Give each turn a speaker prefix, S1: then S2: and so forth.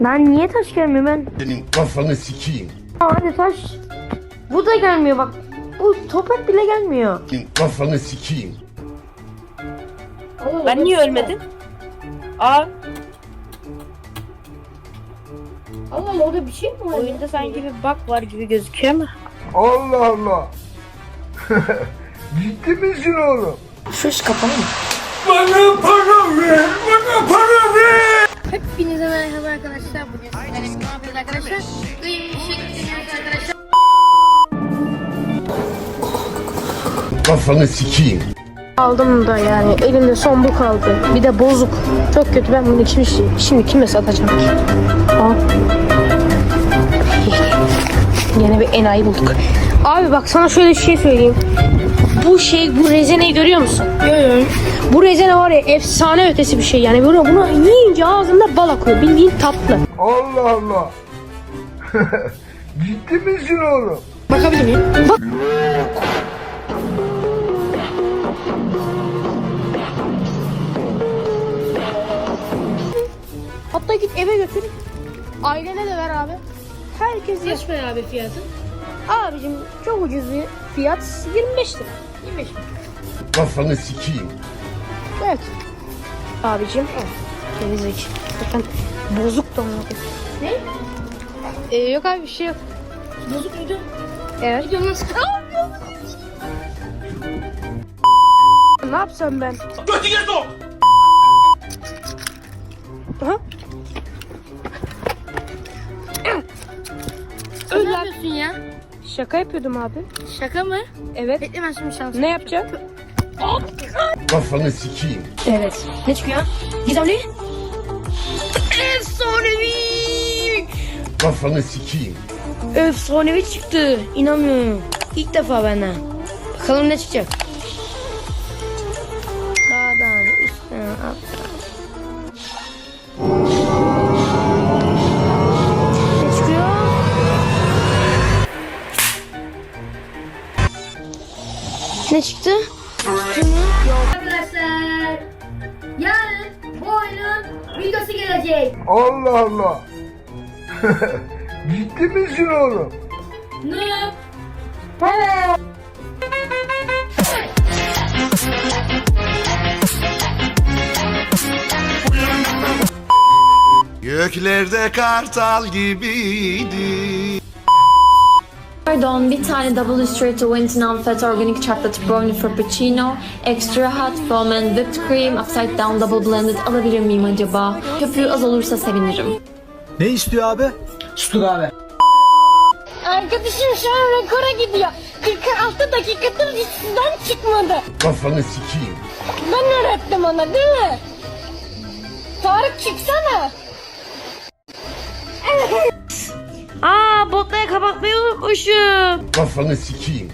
S1: Lan niye taş gelmiyor ben?
S2: Senin kafanı sikeyim.
S1: Hadi taş. Bu da gelmiyor bak. Bu toprak bile gelmiyor.
S2: Senin kafanı sikeyim.
S3: Ben niye ölmedim? Aa,
S1: Allah orada bir şey mi var?
S3: oyunda sanki bir bug var gibi gözüküyor ama.
S4: Allah Allah. Ciddi misin oğlum?
S1: Şu iş kapalı mı?
S4: Bana para ver, bana para ver.
S1: Hepinize merhaba arkadaşlar. Bugün sizlerle ne yapıyoruz arkadaşlar? Duyum bir şey dinliyoruz arkadaşlar.
S2: Kafanı sikeyim.
S1: Aldım da yani elimde son bu kaldı. Bir de bozuk. Çok kötü, ben bunu şimdi kime satacağım ki? Aa. Yine bir enayi bulduk. Abi bak sana şöyle bir şey söyleyeyim. Bu rezeneyi görüyor musun? Görüyorum. Bu rezene var ya efsane ötesi bir şey yani. Böyle bunu yiyince ağzında bal akıyor. Bildiğin tatlı.
S4: Allah Allah. Ciddi misin oğlum?
S1: Bakabilir miyim? Bak. Hatta git eve götür. Ailene de ver abi. Herkes yer.
S5: Kaç para abi fiyatı?
S1: Abicim çok ucuz bir fiyat. 25 lira. 25 lira.
S2: Kafanı sikeyim.
S1: Evet. Abicim. Gerizek. Zaten bozuk da onu. Ne? Yok abi bir şey yok.
S5: Bozuk muydu?
S1: Evet.
S5: Gidiyorum nasıl?
S1: Ne yapsam ben?
S2: Götüne sok.
S1: Aha.
S5: Ne yapıyorsun ya?
S1: Şaka yapıyordum abi.
S5: Şaka mı?
S1: Evet.
S5: Bekle ben şimdi şans.
S1: Ne yapacağım?
S2: Kafanı sikeyim.
S1: Evet. Ne çıkıyor? Gizemli. Efsanevi.
S2: Kafanı sikeyim.
S1: Efsanevi çıktı. İnanmıyorum. İlk defa benden. Bakalım ne çıkacak. Sağdan üstten alttan. Ne çıkıyor? Ne çıktı?
S5: Arkadaşlar yarın bu oyunun videosu gelecek.
S4: Allah Allah. Ciddi misin oğlum?
S5: Ne?
S6: Göklerde kartal gibiydi.
S7: Pardon, bir tane double straight to win non-fat organic chocolate brownie frappuccino, extra hot foam and whipped cream, upside down double blended alabilir miyim acaba? Köpüğü az olursa sevinirim.
S8: Ne istiyor abi? Sütür abi.
S5: Arkadaşım şu an rekora gidiyor. 46 dakikadır dizisinden çıkmadı.
S2: Kafanı sikeyim.
S5: Ben öğrettim ona değil mi? Tarık çıksana.
S1: Aa, botları kapatmayı unutmuşum.
S2: Kafanı sikeyim.